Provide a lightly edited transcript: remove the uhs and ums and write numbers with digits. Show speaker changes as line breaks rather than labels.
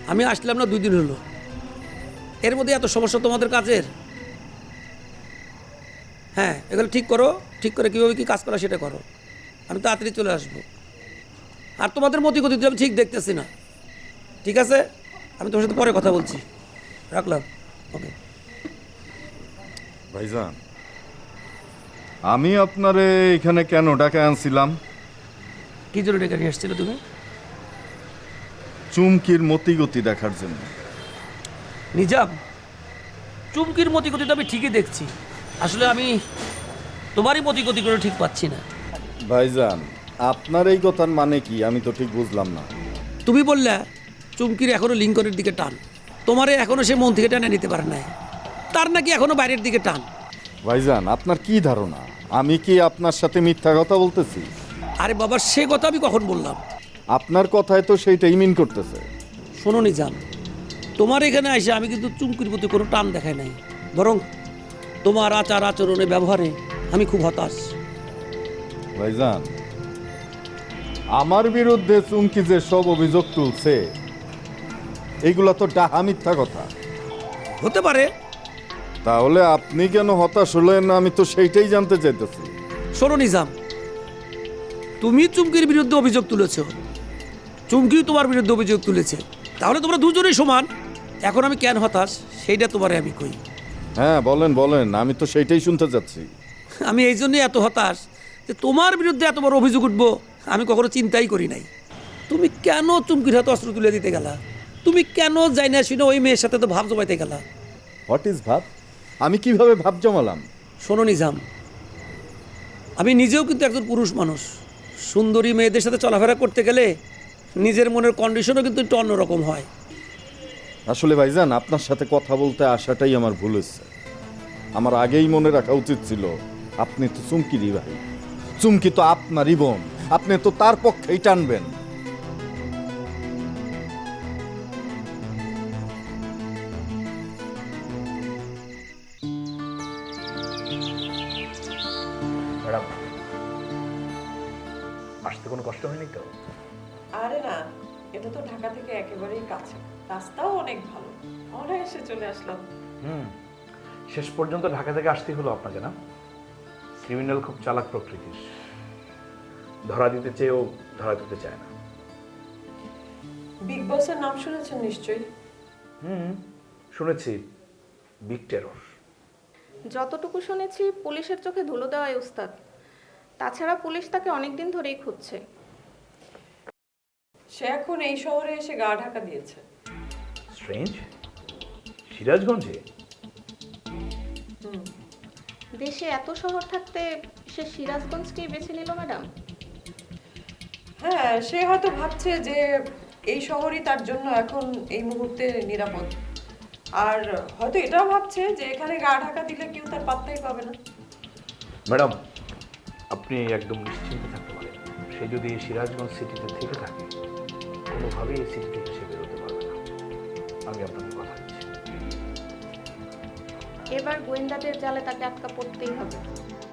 আমি আসলাম না 2 দিন হলো, এর মধ্যে এত সমস্যা তোমাদের কাজের? হ্যাঁ, এগুলো ঠিক করো, ঠিক করে কীভাবে কী কাজ করা সেটা করো, আমি তাড়াতাড়ি চলে আসবো। আর তোমাদের মতি গতি আমি ঠিক দেখতেছি না। ঠিক আছে, আমি তোমার সাথে পরে কথা বলছি, রাখলাম। ওকে।
ভাইজান, আমি আপনারে এখানে কেন ডাকে আনছিলাম?
কী জন্য ডেকে নিয়ে এসেছিলে তুমি?
চুমকির মতিগতি দেখার জন্য।
নিজাম, চুমকির মতি গতি তো আমি ঠিকই দেখছি, আসলে আমি তোমারই মতি গতি করে ঠিক পাচ্ছি না।
ভাইজান, আপনার এই কথার মানে কি আমি তো ঠিক বুঝলাম না।
তুমি বললে চুমকির এখনো লিঙ্কনের দিকে টান, তোমারে এখনো সে মন থেকে টেনে নিতে পারে নাই, তার নাকি এখনো বাইরের দিকে টান।
ভাইজান, আপনার কি ধারণা আমি কি আপনার সাথে মিথ্যা কথা বলতেছি?
আরে বাবা, সে কথা আমি কখন বললাম?
আপনার কথায় তো সেইটাই মিন করতেছে।
শোনো নিজাম, তোমার এখানে এসে আমি কিন্তু চুমকির প্রতি কোনো টান দেখাই নাই, বরং তোমার আচার আচরণে ব্যবহারে আমি খুব হতাশ।
ভাইজান, আমার বিরুদ্ধে চুমকি যে সব অভিযোগ তুলছে এইগুলা তো ডাহা মিথ্যা কথা।
হতে পারে।
তাহলে আপনি কেন হতাশ হলেন আমি তো সেইটাই জানতে চাইতেছি।
শোনো নিজাম, তুমি চুমকির বিরুদ্ধে অভিযোগ তুলেছ, চুমকিও তোমার বিরুদ্ধে অভিযোগ তুলেছে, তাহলে তোমরা দুজনেই সমান। এখন আমি কেন হতাশ সেইটা তোমারে আমি কই।
হ্যাঁ, বলেন বলেন, আমি তো সেইটাই শুনতে চাচ্ছি।
আমি এই জন্যই এত হতাশ যে তোমার বিরুদ্ধে এত বড় অভিযোগ উঠবো আমি কখনো চিন্তাই করি নাই। তুমি কেন চুমকির হাতে অস্ত্র তুলে দিতে গেলা? তুমি কেন যাই না শুনে ওই মেয়ের সাথে তো ভাব জমাইতে গেলা?
হোয়াট ইজ ভাব? আমি কিভাবে ভাব জমালাম?
শোনো নিজাম, আমি নিজেও কিন্তু একজন পুরুষ মানুষ, সুন্দরী মেয়েদের সাথে চলাফেরা করতে গেলে নিজের মনের কন্ডিশনও কিন্তু একটু অন্যরকম হয়।
আসলে ভাইজান, আপনার সাথে কথা বলতে আসাটাই আমার ভুল হয়েছে। আমার আগেই মনে রাখা উচিত ছিল আপনি তো চুমকিরই ভাই, চুমকি তো আপনারই বোন, আপনি তো তার পক্ষেই টানবেন।
ম্যাডাম, আসতে কোনো কষ্ট হয়নি তো?
আরে না, এটা তো ঢাকা থেকে একেবারেই কাছে, রাস্তাও অনেক ভালো, অনায়াসে চলে আসলাম।
শেষ পর্যন্ত ঢাকা থেকে আসতেই হলো আপনাকে, না? ক্রিমিনাল খুব চালাক প্রকৃতির, ধরা দিতে চেয়েও ধরা দিতে চায় না।
বিগ বসের নাম শুনেছেন নিশ্চয়ই?
শুনেছি, বিগ টেরর।
যতটুকু শুনেছি পুলিশের চোখে ধুলো দেওয়াই উস্তাদ। তাছাড়া পুলিশ তাকে অনেকদিন ধরেই খুঁজছে।
সে এখন এই শহরে এসে গা ঢাকা দিয়েছে।
স্ট্রেঞ্জ, সিরাজগঞ্জে?
দেশে এত শহর থাকতে সে সিরাজগঞ্জকেই বেছে নিল ম্যাডাম।
হ্যাঁ, সে হয়তো ভাবছে যে এই শহরই তার জন্য এখন এই মুহূর্তে নিরাপদ, আর হয়তো এটাও ভাবছে যে এখানে গা ঢাকা দিলে কেউ তার পাত্তাই পাবে না।
ম্যাডাম, আপনি একদম নিশ্চিন্ত থাকতে পারেন, সে যদি সিরাজগঞ্জ সিটিতে থেকে থাকে কোনোভাবেই এই সিটি থেকে সে বেরোতে পারবে না, আমি আপনাকে কথা দিচ্ছি।
এবার গোয়েন্দাদের জালে তাকে আটকা পড়তেই হবে।